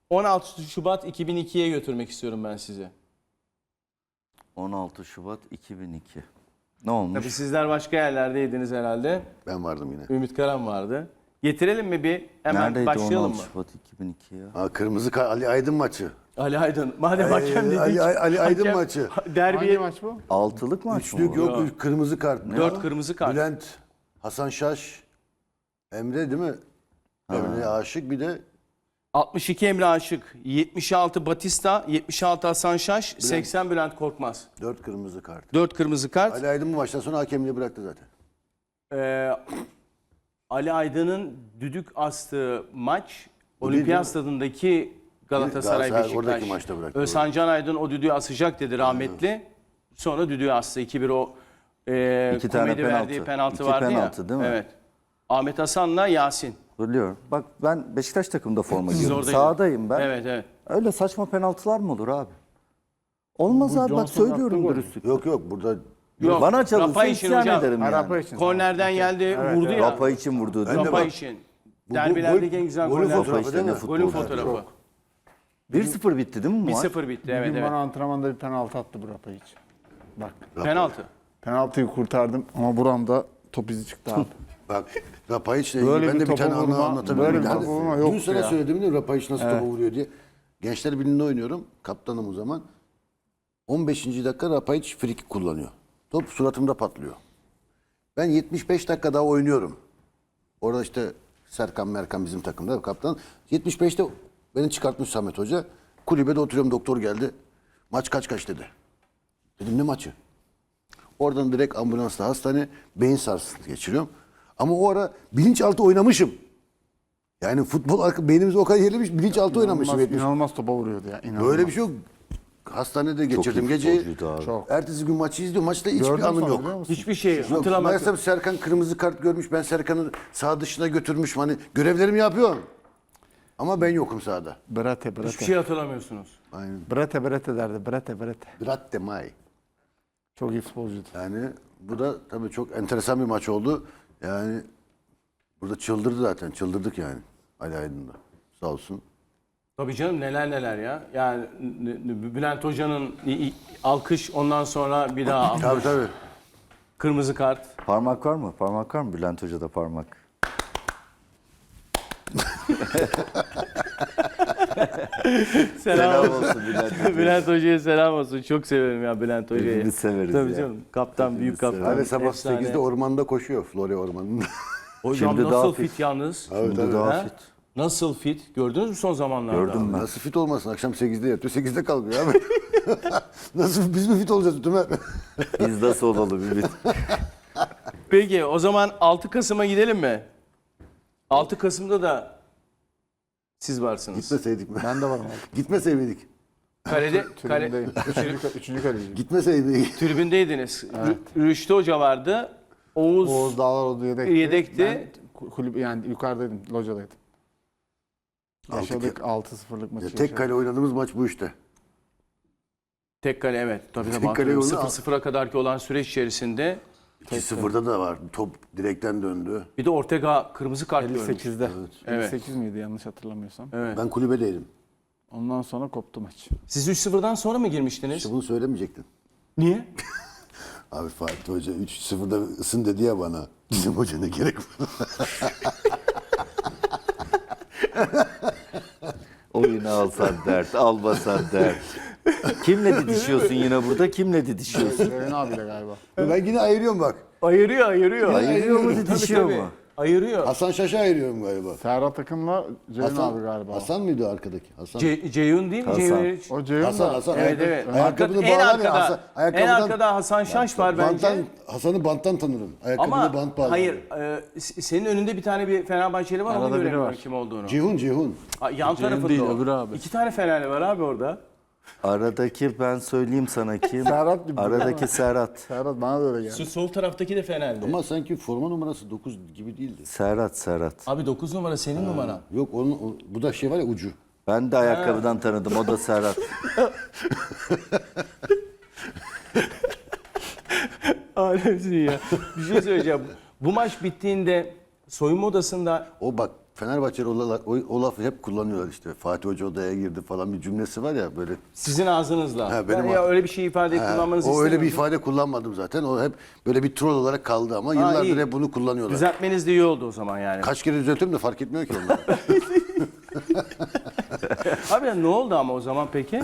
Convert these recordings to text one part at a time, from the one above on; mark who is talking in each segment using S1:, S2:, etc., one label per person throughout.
S1: 16 Şubat 2002'ye götürmek istiyorum ben sizi.
S2: 16 Şubat 2002. Ne olmuş?
S1: Tabii sizler başka yerlerdeydiniz herhalde.
S3: Ben vardım yine.
S1: Ümit Karan vardı. Getirelim mi bir? Hemen
S2: Neredeydi
S1: başlayalım
S2: 16
S1: mı?
S2: Şubat 2002 ya?
S3: Kırmızı Ali Aydın maçı.
S1: Ali Aydın. Madem hakem dedik.
S3: Ali Aydın
S1: hakem-
S3: maçı.
S1: Derbiye
S4: Hangi maç bu?
S2: Altılık maç
S3: Üçlük
S2: mı?
S3: yok, kırmızı kart.
S1: 4 kırmızı kart.
S3: Bülent, Hasan Şaş, Emre değil mi? Emre Aşık, bir de
S1: 62 Emre Aşık, 76 Batista, 76 Hasan Şaş, 80 Bülent Korkmaz.
S3: 4 kırmızı kart.
S1: 4 kırmızı kart.
S3: Ali Aydın bu maçtan sonra hakemliği bıraktı zaten.
S1: Ee, Ali Aydın'ın düdük astığı maç
S3: değil
S1: Olimpiyat
S3: mi?
S1: Stadındaki Galatasaray
S3: Galatasaray oradaki
S1: Beşiktaş.
S3: maçta bıraktı.
S1: Özhan Can Aydın o düdüğü asacak dedi rahmetli. Sonra düdüğü astı. 2-1 o
S2: İki tane
S1: komedi verdiği
S2: penaltı.
S1: penaltı
S2: İki
S1: vardı
S2: penaltı
S1: ya.
S2: değil mi?
S1: Evet. Ahmet Hasan'la Yasin.
S2: Biliyorum. Bak ben Beşiktaş takımında forma giyiyorum.
S1: oradaydın.
S2: Sahadayım ben.
S1: Evet evet.
S2: Öyle saçma penaltılar mı olur abi? Olmaz
S4: Bu
S2: abi bak
S4: Johnson
S2: söylüyorum
S4: yaptığı gol.
S2: dürüstlük.
S3: Yok burada
S1: Yok.
S2: Bana çalınsa
S1: Rapa için
S2: isyan
S1: hocam.
S2: ederim yani.
S4: Arapa için.
S1: Kornerden geldi vurdu ya.
S2: Rapa için vurdu değil mi?
S1: Rapa
S3: bak,
S1: için. Derbilerdeki en güzel
S3: golün
S1: goller.
S3: fotoğrafı
S2: işte
S3: değil
S2: ne
S3: mi?
S2: futbol
S1: Golün
S2: ya.
S1: fotoğrafı.
S2: 1-0 bitti değil mi bu maç?
S1: 1-0 bitti.
S4: Bir
S1: Evet
S4: gün
S1: evet.
S4: bana antrenmanda bir penaltı attı bu Rapa hiç. Bak
S1: Penaltı.
S4: penaltıyı kurtardım ama buramda top izi çıktı abi.
S3: Bak Rapayiç'le
S4: Böyle
S3: ilgili ben
S4: bir
S3: de bir tane
S4: topa
S3: anı
S4: vurma,
S3: anlatabilirim.
S4: böyle bir
S3: Yani
S4: topa vurma
S3: dün
S4: yoktu
S3: sana
S4: ya.
S3: söyledim değil mi Rapayiç nasıl topa vuruyor diye. Gençler Birliği'nde oynuyorum. Kaptanım o zaman. 15. dakika Rapayiç frikik kullanıyor. Top suratımda patlıyor. Ben 75 dakika daha oynuyorum. Orada işte Serkan Merkan bizim takımda kaptan. 75'te beni çıkartmış Samet Hoca. Kulübede oturuyorum, doktor geldi. Maç kaç dedi. Dedim ne maçı? Oradan direkt ambulansla hastane, beyin sarsıntısı geçiriyorum. Ama o ara bilinçaltı oynamışım. Yani beynimiz o kadar yerlemiş, bilinçaltı oynamışım.
S4: İnanılmaz topa vuruyordu ya. İnanılmaz.
S3: Böyle bir şey yok. Hastanede geçirdim
S2: iyi
S3: geceyi.
S2: futbolcuydu abi.
S4: Çok.
S3: Ertesi gün maçı izliyorum. Maçta hiçbir
S4: Gördün
S3: anım
S4: sonra
S3: yok.
S4: biliyor musun?
S1: Hiçbir şey
S3: Yok.
S1: hatırlamadım.
S3: Meğersem Serkan kırmızı kart görmüş. Ben Serkan'ı sağ dışına götürmüşüm. Hani görevlerimi yapıyorum. Ama ben yokum sahada.
S4: Brate
S1: Hiçbir
S4: brate.
S1: şey hatırlamıyorsunuz.
S3: Aynen.
S4: Brate brate derdi. Brate brate.
S3: Gratte mai.
S4: Çok iyi futbolcuydu.
S3: Yani bu da tabii çok enteresan bir maç oldu. Yani burada çıldırdı zaten. Çıldırdık yani. Ali Aydın'da. Sağ olsun.
S1: Tabii canım neler ya. Yani Bülent Hoca'nın alkış ondan sonra bir daha
S3: Tabii.
S1: kırmızı kart.
S2: Parmak var mı? Parmak var mı? Bülent Hoca'da parmak. Selam olsun Bülent Hoca.
S1: Bülent Hoca'ya selam olsun. Çok severim ya Bülent Hoca'yı.
S2: Hepimiz severiz
S1: Tabii
S2: ya.
S1: canım. Kaptan, büyük kaptan.
S3: Hani sabah
S1: Efsane.
S3: 8'de ormanda koşuyor. Florya ormanında.
S1: Hocam
S2: Şimdi
S1: nasıl
S2: daha
S1: fit,
S2: fit.
S1: yalnız?
S2: Şimdi daha
S1: Ha?
S2: fit.
S1: Nasıl fit? Gördünüz mü son zamanlarda?
S2: Gördüm ben.
S3: Nasıl fit olmasın? Akşam 8'de yatıyor, 8'de kalkıyor abi. Nasıl biz mi fit olacağız Tümer?
S2: Biz nasıl olalım Ümit?
S1: Peki o zaman 6 Kasım'a gidelim mi? 6 Kasım'da da siz varsınız.
S3: Gitmeseydik mi?
S4: Ben de varım abi.
S3: Gitmeseydik.
S1: Kalede,
S4: Tribündeyim. Üçüncü kaleciyim.
S3: Gitmeseydik.
S1: tribündeydiniz. Rüştü Hoca vardı.
S4: Oğuz Dağlaroğlu yedekti.
S1: Yedekti.
S4: Ben kulüp yani yukarıdaydım, locadaydım. Yaşadık 6-0'lık maçı.
S3: Tek kale oynadığımız maç bu işte.
S1: Tek kale evet. Tabii
S3: Tek
S1: tabii.
S3: kale oyunu-
S1: 0-0'a kadarki olan süreç içerisinde
S3: 2-0'da da var. Top direkten döndü.
S1: bir de Ortega kırmızı kart görmüş.
S4: 58'de.
S1: Evet.
S4: 58 miydi yanlış hatırlamıyorsam.
S1: Evet.
S3: Ben kulübedeydim.
S4: Ondan sonra koptu maç.
S1: Siz 3-0'dan sonra mı girmiştiniz?
S3: İşte bunu söylemeyecektin.
S1: Niye?
S3: Abi Fatih Hoca 3-0'da ısın dedi ya bana. Bizim hoca ne gerek var?
S2: Oyunu alsan dert, almasan dert. Kimle didişiyorsun yine burada? Kimle didişiyorsun?
S4: Ceyhun abiyle galiba.
S3: Ben yine ayırıyorum bak.
S1: Ayırıyor.
S2: Ayırıyor mu,
S1: Tabii,
S2: didişiyor
S1: tabii.
S2: mu?
S1: Ayırıyor.
S3: Hasan Şaş'a ayırıyorum galiba.
S4: Serhat Akın'la Ceyhun abi galiba.
S3: Hasan mıydı o arkadaki? Hasan.
S1: Ceyhun değil mi?
S2: Hasan.
S1: Ceyhun.
S4: O Ceyhun
S3: Hasan,
S4: da.
S3: Hasan.
S1: Evet evet.
S3: Ayakkabını
S1: en
S3: bağlar ya.
S1: arkada, en
S3: ayakkabıdan-
S1: arkada Hasan Şaş var bence.
S3: Hasan'ı banttan tanırım. Ayakkabını
S1: Ama
S3: bant bağlar.
S1: hayır, senin önünde bir tane bir Fenerbahçeli var,
S4: Arada
S1: onu
S4: biri
S1: göremiyorum
S4: var.
S1: kim olduğunu.
S3: Cihun.
S1: Yan tarafında
S4: değil,
S1: o.
S4: öbürü abi.
S1: 2 tane Fenerli var abi orada.
S2: Aradaki ben söyleyeyim sana kim?
S4: Serhat gibi.
S2: Aradaki Serhat.
S4: Serhat bana da öyle geldi.
S1: Şu sol taraftaki de Fenerli.
S3: Ama sanki forma numarası 9 gibi değildi.
S2: Serhat.
S1: Abi 9 numara senin numaran.
S3: Yok bu da şey var ya ucu.
S2: Ben de ayakkabıdan tanıdım. O da Serhat.
S1: Alemsin ya. Bir şey söyleyeceğim. Bu maç bittiğinde soyunma odasında
S3: O bak Fenerbahçeli o lafı hep kullanıyorlar işte. Fatih Hoca odaya girdi falan bir cümlesi var ya böyle.
S1: Sizin ağzınızla.
S3: Ha, benim
S1: Ben ya öyle bir şey ifade kullanmanızı
S3: O
S1: istemiyorum.
S3: öyle bir ifade kullanmadım zaten. O hep böyle bir troll olarak kaldı ama yıllardır
S1: iyi.
S3: hep bunu kullanıyorlar.
S1: Düzeltmeniz de iyi oldu o zaman yani.
S3: Kaç kere düzeltiyorum da fark etmiyor ki onlar.
S1: Abi ya ne oldu ama o zaman peki?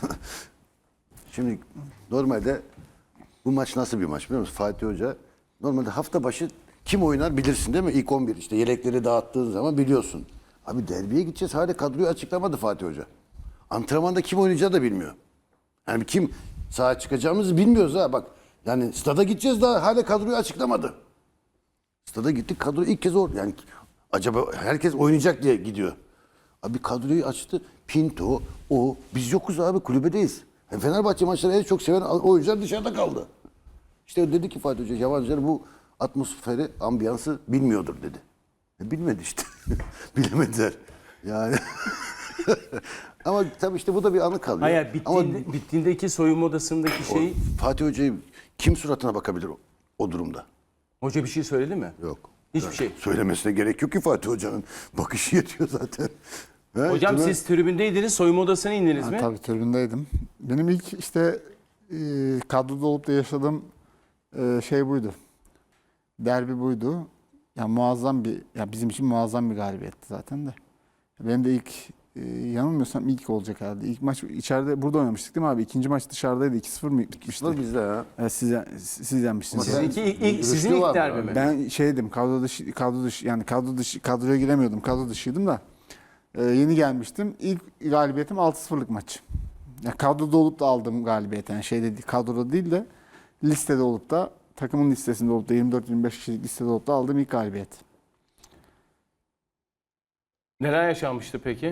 S3: Şimdi normalde bu maç nasıl bir maç biliyor musun? Fatih Hoca normalde hafta başı kim oynar bilirsin değil mi? İlk 11 işte yelekleri dağıttığın zaman biliyorsun. Abi derbiye gideceğiz hala kadroyu açıklamadı Fatih Hoca. Antrenmanda kim oynayacağı da bilmiyor. Yani kim sahaya çıkacağımızı bilmiyoruz ha bak. Yani stada gideceğiz daha hala kadroyu açıklamadı. Stada gittik kadro ilk kez yani acaba herkes oynayacak diye gidiyor. Abi kadroyu açtı. Pinto, o. Biz yokuz abi kulübedeyiz. Fenerbahçe maçları en çok seven oyuncular dışarıda kaldı. İşte dedi ki Fatih Hoca yabancılar bu atmosferi, ambiyansı bilmiyordur dedi. Bilmedi işte. Bilemediler. Yani ama tabii işte bu da bir anı kalıyor.
S1: Hayır
S3: Ama
S1: bittiğindeki soyunma odasındaki şey
S3: Fatih Hoca'yı kim suratına bakabilir o durumda?
S1: hoca bir şey söyledi mi?
S3: Yok.
S1: Hiçbir şey.
S3: Söylemesine gerek yok ki Fatih Hoca'nın. Bakışı yetiyor zaten. He,
S1: Hocam
S3: değil mi?
S1: siz tribündeydiniz, soyunma odasına indiniz
S4: Ha,
S1: mi?
S4: tabii tribündeydim. Benim ilk işte kadroda olup da yaşadığım şey buydu. Derbi buydu. Ya muazzam bir, ya bizim için muazzam bir galibiyetti zaten de. Benim de ilk yanılmıyorsam ilk olacak herhalde. İlk maç içeride burada oynamıştık değil mi abi? İkinci maç dışarıdaydı. 2-0 mı bitmişti?
S3: Var bizde ya.
S4: Evet, siz yenmiştiniz.
S1: Sizin ilk
S3: var
S1: derbi
S3: abi.
S1: mi?
S4: Ben şeydim kadroya giremiyordum. Kadro dışıydım da. Yeni gelmiştim. İlk galibiyetim 6-0'lık maç. Ya kadroda olup da aldığım galibiyet. Yani şeyde değil, kadroda değil de listede olup da takımın listesinde olup da 24-25 kişilik listede olup da aldığım ilk galibiyet.
S1: Neler yaşanmıştı peki?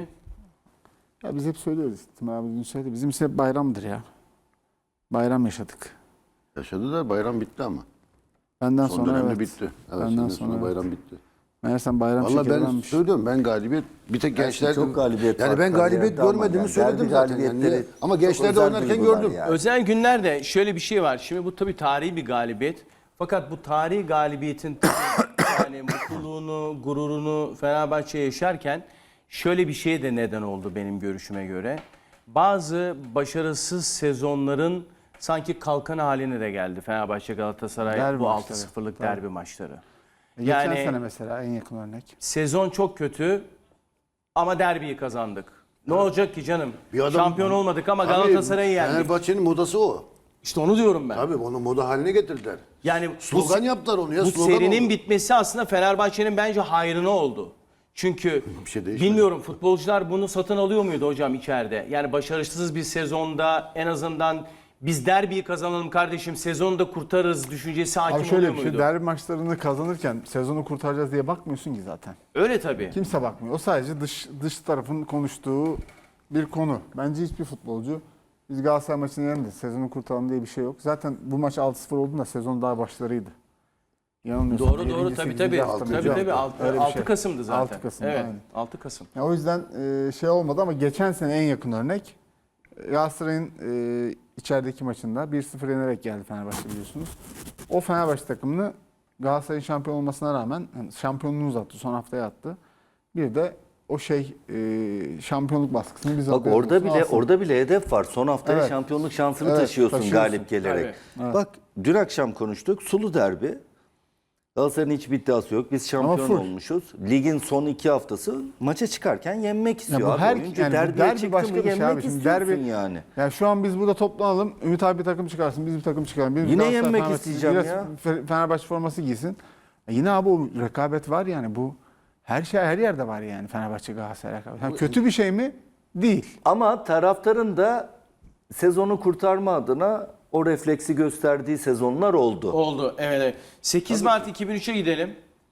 S4: Ya biz hep söylüyoruz. Timur abi dün söyledi. Bizim için hep bayramdır ya. Bayram yaşadık.
S3: Yaşadılar bayram bitti ama.
S4: Benden
S3: Son
S4: sonra
S3: dönemde
S4: evet.
S3: bitti. Evet,
S4: Benden
S3: sonra
S4: sonra
S3: bayram bitti.
S4: Meğersem bayram
S3: Vallahi
S4: şekeri
S3: ben
S4: varmış.
S3: söylüyorum ben galibiyet bir tek gençler
S2: çok galibiyet
S3: yani
S2: var
S3: ben galibiyet
S2: kariyerde ama
S3: görmediğimi
S2: yani
S3: söyledim
S2: derbi
S3: zaten. Yani.
S2: galibiyetleri
S3: Ama
S2: çok
S3: gençlerde
S2: özel
S3: oynarken
S2: duygular
S3: gördüm.
S2: yani.
S1: Özel günlerde şöyle bir şey var. Şimdi bu tabii tarihi bir galibiyet. Fakat bu tarihi galibiyetin yani mutluluğunu, gururunu Fenerbahçe yaşarken şöyle bir şey de neden oldu benim görüşüme göre. Bazı başarısız sezonların sanki kalkan haline de geldi Fenerbahçe Galatasaray
S4: Derbi
S1: bu
S4: maçları.
S1: 6-0'lık
S4: Tabii.
S1: derbi maçları.
S4: Geçen
S1: Yani-
S4: sene mesela en yakın örnek.
S1: Sezon çok kötü ama derbiyi kazandık. Ne olacak ki canım?
S3: Bir adam-
S1: Şampiyon olmadık ama
S3: Tabii,
S1: Galatasaray'ı yendik.
S3: Fenerbahçe'nin modası o.
S1: İşte onu diyorum ben.
S3: Tabii onu moda haline getirdiler.
S1: Yani
S3: Slogan yaptılar onu ya.
S1: bu
S3: slogan
S1: serinin
S3: oldu.
S1: bitmesi aslında Fenerbahçe'nin bence hayrına oldu. Çünkü
S3: Bir şey değişmedi.
S1: bilmiyorum futbolcular bunu satın alıyor muydu hocam içeride? Yani başarısız bir sezonda en azından biz derbiyi kazanalım kardeşim sezonu da kurtarırız düşüncesi hakim
S4: Abi şöyle
S1: oluyor
S4: bir şey,
S1: muydu?
S4: derbi maçlarını kazanırken sezonu kurtaracağız diye bakmıyorsun ki zaten.
S1: Öyle tabii.
S4: Kimse bakmıyor. O sadece dış tarafın konuştuğu bir konu. Bence hiçbir futbolcu biz Galatasaray maçını yendik, sezonu kurtaralım diye bir şey yok. Zaten bu maç 6-0 olduğunda sezon daha başlarıydı. Yanılmıyorsam
S1: Doğru
S4: 7.
S1: tabii
S4: 8.
S1: tabii.
S4: hafta mıydı?
S1: Tabii 6
S4: şey.
S1: Kasım'dı zaten.
S4: 6 Kasım,
S1: Evet.
S4: aynen.
S1: 6 Kasım.
S4: Ya o yüzden şey olmadı ama geçen sene en yakın örnek Galatasaray'ın içerideki maçında 1-0 yenerek geldi Fenerbahçe biliyorsunuz. O Fenerbahçe takımını Galatasaray'ın şampiyon olmasına rağmen yani şampiyonluğunu uzattı, son haftaya attı. Bir de o şampiyonluk baskısını biz
S2: Bak orada bile hedef var. Son haftaya
S4: Evet.
S2: şampiyonluk şansını
S4: Evet,
S2: taşıyorsun
S4: taşıyorsun.
S2: galip gelerek.
S4: Evet.
S2: Bak dün akşam konuştuk. Sulu derbi. Galatasaray'ın hiçbir iddiası yok. Biz şampiyon
S4: full.
S2: olmuşuz. Ligin son 2 haftası maça çıkarken yenmek istiyor
S4: bu
S2: abi.
S4: her-
S2: Oyuncu
S4: yani bu
S2: derbiye
S4: derbi
S2: çıktı
S4: başka
S2: mı
S4: bir şey
S2: yenmek
S4: abi. Şimdi
S2: istiyorsun
S4: derbi-
S2: yani.
S4: Ya şu an biz burada toplanalım. Ümit abi bir takım çıkarsın, biz bir takım çıkaralım. Birimiz
S2: Yine
S4: Galatasaray,
S2: yenmek
S4: Fenerbahçe,
S2: isteyeceğim
S4: biraz
S2: ya.
S4: Fenerbahçe forması giysin. Yine abi o rekabet var yani bu her yerde var yani Fenerbahçe Galatasaray rekabeti. Ha, kötü bir şey mi? Değil.
S2: Ama taraftarın da sezonu kurtarma adına o refleksi gösterdiği sezonlar oldu.
S1: Oldu. Evet. 8 Mart 2003'e gidelim.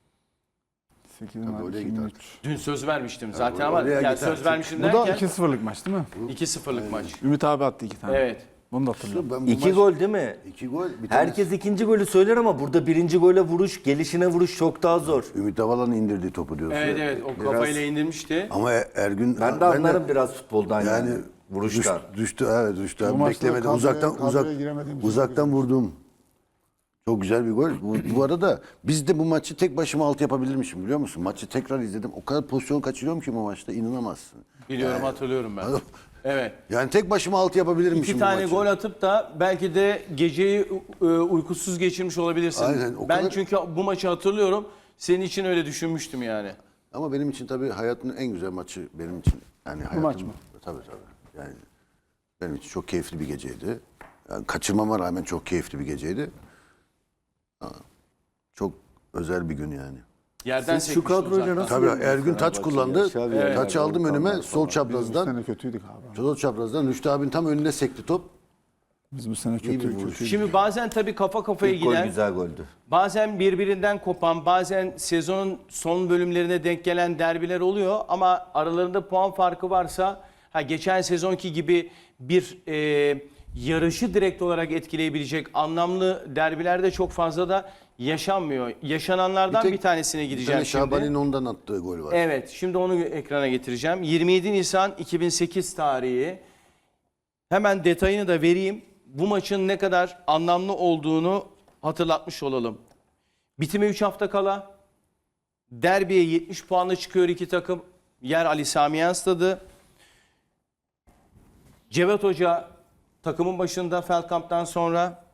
S4: 8
S3: Tabii
S4: Mart
S3: oraya
S4: 2003.
S1: Dün söz vermiştim zaten ama
S3: oraya
S1: yani
S3: git
S1: söz
S3: artık.
S1: vermiştim
S4: Bu da
S1: derken
S4: 2-0'lık maç değil mi?
S1: 2-0'lık maç.
S4: Ümit abi attı 2 tane.
S1: Evet.
S4: Bunu da hatırlıyorum.
S3: Ben bu
S2: 2
S3: maç-
S2: gol değil mi?
S3: 2 gol. Bir
S2: Herkes ikinci golü söyler ama burada birinci gole vuruş, gelişine vuruş çok daha zor.
S3: Ümit Havalan'ın indirdiği topu diyorsun.
S1: Evet evet o kafayla indirmişti.
S3: Ama Ergün
S2: Ben de anlarım biraz futboldan yani. Vuruştan.
S3: Düştü evet düştü.
S4: Bu
S3: Abi.
S4: maçta
S3: Beklemedim.
S4: kadroya giremediğimiz
S3: Uzaktan vurdum. Çok güzel bir gol. Bu arada biz de bu maçı tek başıma alt yapabilirmişim biliyor musun? Maçı tekrar izledim. O kadar pozisyon kaçırıyorum ki bu maçta inanamazsın.
S1: Biliyorum, hatırlıyorum ben. Evet.
S3: Yani tek başıma alt yapabilirmişim
S1: İki
S3: bu
S1: tane
S3: maçı.
S1: gol atıp da belki de geceyi uykusuz geçirmiş olabilirsin.
S3: Aynen, o
S1: Ben
S3: kadar-
S1: çünkü bu maçı hatırlıyorum. Senin için öyle düşünmüştüm yani.
S3: Ama benim için tabii hayatın en güzel maçı benim için. Yani hayatım,
S4: maç mı?
S3: Tabii. Yani benim için çok keyifli bir geceydi. Yani kaçırmama rağmen çok keyifli bir geceydi. Çok özel bir gün yani.
S1: Yerden
S2: Siz şu
S1: sekmiştin
S2: kadroyla
S1: uzaktan.
S2: nasıl-
S3: Tabii
S2: Fenerbahçe
S3: Ergün taç
S2: ya,
S3: kullandı.
S2: Xavi Alonso,
S3: Taçı aldım
S2: Volkanlar
S3: önüme
S2: falan.
S3: sol
S4: Biz bu
S3: çaprazdan.
S4: sene kötüydük abi.
S3: Sol çaprazdan Rüştü abinin tam önüne sekti top.
S4: Biz bu sene
S3: İyi bir
S4: kötüydük.
S3: vuruş.
S1: Şimdi bazen tabii kafa kafaya
S2: İlk gol
S1: giden,
S2: güzel goldü.
S1: bazen birbirinden kopan, bazen sezonun son bölümlerine denk gelen derbiler oluyor. Ama aralarında puan farkı varsa, geçen sezonki gibi bir yarışı direkt olarak etkileyebilecek anlamlı derbilerde çok fazla da yaşanmıyor. Yaşananlardan bir tanesine
S3: Bir
S1: gideceğim
S3: tane
S1: şimdi.
S3: Şaban'ın ondan attığı gol var.
S1: Evet, şimdi onu ekrana getireceğim. 27 Nisan 2008 tarihi. Hemen detayını da vereyim. Bu maçın ne kadar anlamlı olduğunu hatırlatmış olalım. Bitime 3 hafta kala derbiye 70 puanla çıkıyor iki takım. Yer Ali Sami Yen Stadı. Cevat Hoca takımın başında Feldkamp'tan sonra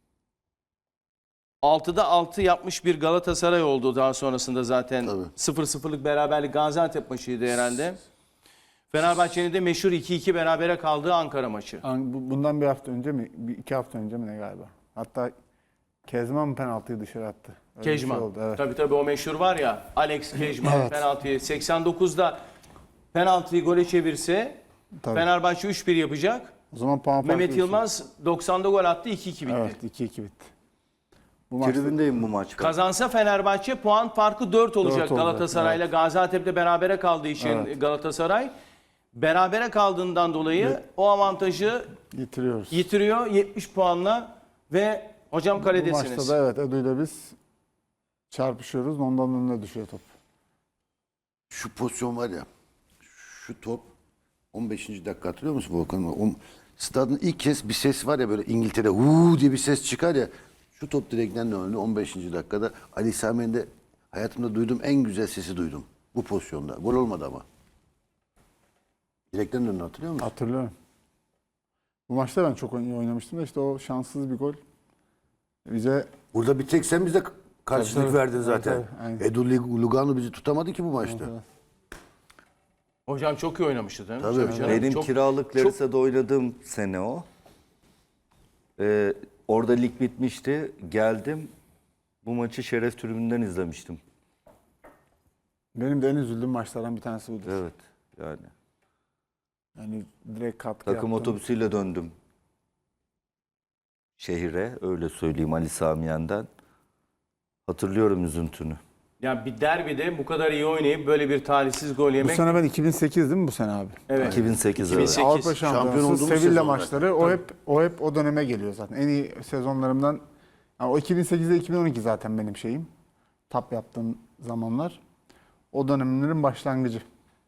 S1: 6'da 6 yapmış bir Galatasaray oldu daha sonrasında zaten.
S3: Tabii.
S1: 0-0'lık beraberlik Gaziantep maçıydı herhalde. Fenerbahçe'nin de meşhur 2-2 berabere kaldığı Ankara maçı.
S4: Bundan bir hafta önce mi? 2 hafta önce mi ne galiba? Hatta Kezman mı penaltıyı dışarı attı? Öyle bir şey
S1: Kejman.
S4: oldu, evet.
S1: Tabii o meşhur var ya. Alex Kejman
S4: Evet.
S1: penaltıyı 89'da penaltıyı gole çevirse
S4: Tabii.
S1: Fenerbahçe 3-1 yapacak.
S4: O zaman puan farkı
S1: Mehmet
S4: üç.
S1: Yılmaz 90'da gol attı, 2-2 bitti.
S4: Evet, 2-2 bitti. Bu maçta
S2: Tribündeyim bu maçta.
S1: Kazansa Fenerbahçe puan farkı 4 olacak
S4: 4 olacak,
S1: Galatasaray'la. Gaziantep'le berabere kaldığı için Galatasaray berabere kaldığından dolayı o avantajı
S4: yitiriyoruz.
S1: yitiriyor 70 puanla ve hocam
S4: Bu
S1: kaledesiniz.
S4: maçta da evet Edu ile biz çarpışıyoruz. Ondan önüne düşüyor top.
S3: Şu pozisyon var ya. Şu top 15. dakika hatırlıyor musun Volkan? Stadın ilk kez bir ses var ya böyle İngiltere diye bir ses çıkar ya. Şu top direkten döndü 15. dakikada. Ali Sami'nin de hayatımda duyduğum en güzel sesi duydum. Bu pozisyonda. Gol olmadı ama. Direkten döndü hatırlıyor musun?
S4: Hatırlıyorum. Bu maçta ben çok iyi oynamıştım da işte o şanssız bir gol bize
S3: Burada bir tek sen bize karşılık
S4: Tabii,
S3: verdin
S4: tabii.
S3: zaten.
S4: Evet, evet, aynen.
S3: Edu Lugano bizi tutamadı ki bu maçta.
S1: Hocam çok iyi oynamıştı değil mi?
S3: Tabii.
S1: canım.
S2: Benim
S1: Çok-
S2: kiralık Larissa'da oynadığım sene o. Orada lig bitmişti. Geldim. Bu maçı şeref tribünden izlemiştim.
S4: benim de en üzüldüğüm maçlardan bir tanesi buydu.
S2: Evet. Yani
S4: Yani direkt katkı
S2: takım
S4: yaptım.
S2: otobüsüyle döndüm şehire. Öyle söyleyeyim Ali Sami Yen'den. Hatırlıyorum üzüntünü.
S1: Yani bir derbide bu kadar iyi oynayıp böyle bir talihsiz gol
S4: Bu
S1: yemek.
S4: sene ben 2008 değil mi bu sene abi?
S1: Evet.
S2: 2008
S1: 2008.
S2: evet.
S4: Avrupa
S3: Şampiyon
S4: Şampiyonası,
S3: olduğumuz
S4: Sevilla
S3: sezonlar.
S4: maçları o hep o döneme geliyor zaten. En iyi sezonlarımdan yani o 2008'de 2012 zaten benim şeyim. Tap yaptığım zamanlar. O dönemlerin başlangıcı.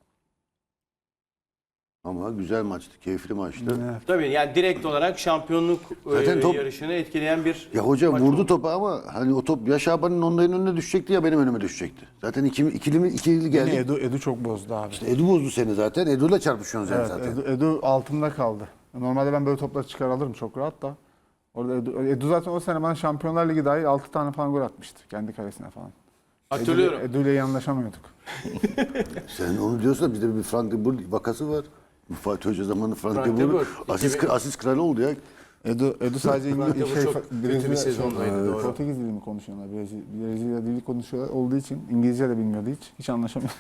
S3: Ama güzel maçtı, keyifli maçtı.
S4: Evet.
S1: Tabii yani direkt olarak şampiyonluk
S3: Zaten top-
S1: yarışını etkileyen bir
S3: Ya hoca
S1: maç
S3: vurdu
S1: oldu.
S3: topu ama hani o top ya Şaban'ın onların önüne düşecekti ya benim önüme düşecekti. Zaten ikili
S4: Yine
S3: geldi.
S4: Edu çok bozdu abi.
S3: Edu bozdu seni zaten. Edu'yla çarpışıyorsun sen
S4: Evet,
S3: zaten.
S4: Edu altımda kaldı. Normalde ben böyle topları çıkar alırım çok rahat da. Orada Edu zaten o sene bana Şampiyonlar Ligi dahil 6 tane falan gol atmıştı. Kendi kalesine falan.
S1: Hatırlıyorum.
S4: Edu ile iyi anlaşamıyorduk.
S3: Sen onu diyorsun da bizde bir Frank de Boer vakası var. Bu Fatih Hoca zamanı Frank
S1: Frank
S3: de
S1: de
S3: Boer
S1: Boer.
S3: asist kralı oldu ya.
S4: Edu sadece
S1: Frank de Boer çok kötü bir sezondaydı, doğru.
S4: Portekiz dili mi konuşuyorlar? Brezilya dili konuşuyorlar olduğu için İngilizce de bilmiyordu hiç. Hiç anlaşamıyorduk.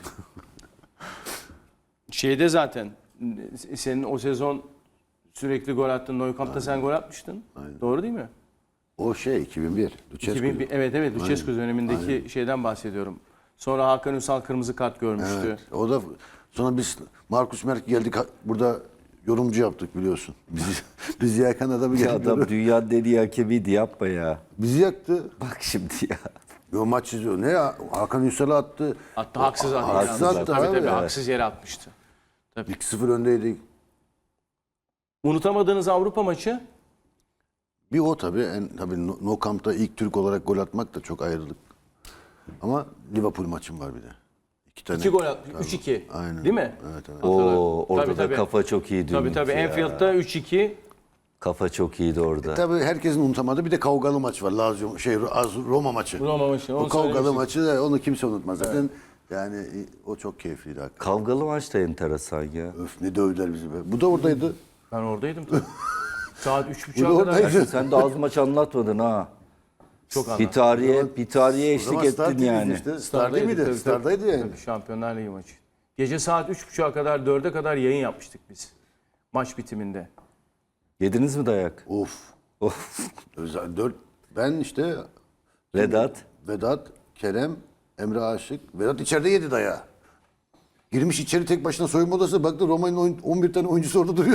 S1: Şeyde zaten senin o sezon sürekli gol attın. Nou Camp'ta sen gol atmıştın. Doğru değil mi?
S3: O 2001. Lucescu.
S1: 2001, evet Lucescu dönemindeki şeyden bahsediyorum. Sonra Hakan Ünsal kırmızı kart görmüştü.
S3: Evet. O da sonra biz Markus Merk geldik burada yorumcu yaptık biliyorsun. Bizi yakan adamı
S2: Ya
S3: geldi.
S2: adam dünya dediği hakemiydi, yapma ya.
S3: Bizi yaktı.
S2: Bak şimdi ya.
S3: Yo maç izliyor. Ne ya? Hakan Ünsal'ı attı.
S1: Hatta haksız attı.
S3: Haksız
S1: yalnız.
S3: attı
S1: Tabii
S3: abi.
S1: haksız yere atmıştı.
S3: 2-0 öndeydik.
S1: Unutamadığınız Avrupa maçı?
S3: Bir o tabii. Tabii No Camp'ta ilk Türk olarak gol atmak da çok ayrılık. Ama Liverpool maçım var bir de. 2 tane.
S1: 2 gol atmış. 3-2.
S3: Aynen.
S1: Değil mi?
S3: Evet.
S2: Oo, orada
S1: Tabii,
S2: da
S1: tabii.
S2: kafa çok iyi dün.
S1: Tabii. Enfield'da 3-2.
S2: Kafa çok iyiydi orada.
S3: Tabii herkesin unutamadığı bir de kavgalı maç var. Lazio Roma maçı.
S1: Roma maçı.
S3: O
S1: Onu
S3: kavgalı
S1: söylemiştik.
S3: maçı da onu kimse unutmaz zaten. Yani o çok keyifliydi hakikaten.
S2: Kavgalı maç da enteresan ya.
S3: Öf ne dövdüler bizi be. Bu da oradaydı.
S1: Ben oradaydım tabii. Saat
S3: Bu
S1: 3.30'a
S3: da
S1: kadar.
S3: oradaydı.
S2: Sen de az maç anlatmadın ha.
S1: Çok
S2: Bir
S1: anladım.
S2: tarihe
S3: O zaman
S2: eşlik
S3: Star
S2: ettin
S3: TV'ydi
S2: yani.
S3: Işte. Star
S1: Star'daydı,
S3: değil miydi?
S1: tabii,
S3: Star'daydı yani.
S1: Tabii, Şampiyonlar Ligi maçı. Gece saat 3.30'a kadar 4'e kadar yayın yapmıştık biz. Maç bitiminde.
S2: Yediniz mi dayak?
S3: Of.
S2: Of.
S3: Özel 4. Ben işte
S2: Vedat.
S3: Kerem, Emre Aşık. Vedat içeride yedi dayağı. Girmiş içeri tek başına soyunma odasına baktı Roma'nın 11 tane oyuncusu orada duruyor.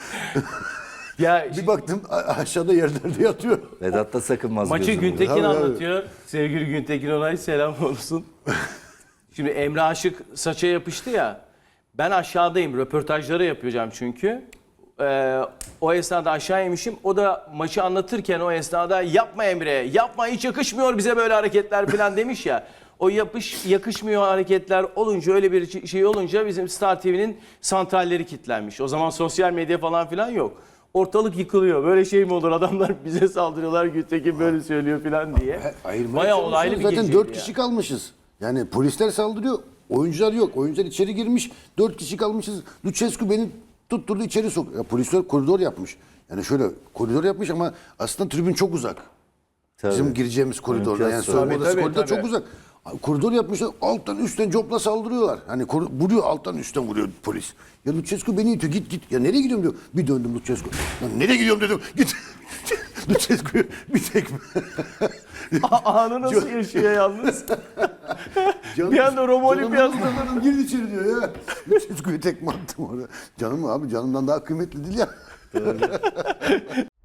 S1: Ya
S3: Bir baktım aşağıda yerlerde yatıyor.
S2: Vedat da sakınmaz
S1: maçı
S2: gözüm.
S1: Güntekin
S3: Tabii, tabii.
S1: anlatıyor. Sevgili Güntekin Onay selam olsun. Şimdi Emre Aşık saça yapıştı ya. Ben aşağıdayım. Röportajları yapacağım çünkü. O esnada aşağı inmişim. O da maçı anlatırken o esnada yapma Emre, yapma hiç yakışmıyor bize böyle hareketler falan demiş ya. O yakışmıyor hareketler olunca öyle bir şey olunca bizim Star TV'nin santralleri kilitlenmiş. O zaman sosyal medya falan filan yok. Ortalık yıkılıyor. Böyle şey mi olur? Adamlar bize saldırıyorlar. Güntekin böyle söylüyor falan diye. Bayağı olaylı bir
S3: Zaten
S1: geceydi
S3: 4
S1: ya.
S3: kişi kalmışız. Yani polisler saldırıyor. Oyuncular yok. Oyuncular içeri girmiş. 4 kişi kalmışız. Lucescu beni tutturdu içeri sok. Ya polisler koridor yapmış. Yani şöyle koridor yapmış ama aslında tribün çok uzak.
S2: Tabii.
S3: Bizim gireceğimiz koridorda. Yani
S2: İmkansız.
S3: soyunma odası
S1: Tabii,
S3: koridor
S1: tabii.
S3: çok uzak. Koridor yapmışlar. Alttan üstten copla saldırıyorlar. Hani vuruyor alttan üstten vuruyor polis. Ya Lucescu beni itiyor. Git. Ya nereye gidiyorum diyor. Bir döndüm Lucescu. Ya nereye gidiyorum dedim. Git. Lucescu'yu bir tekme.
S1: Anı nasıl yaşıyor yalnız? Bir anda Roma Olimpiyatlarında.
S3: Gir içeri diyor ya. Lucescu'yu tekme attım orada. Canım abi canımdan daha kıymetli değil ya.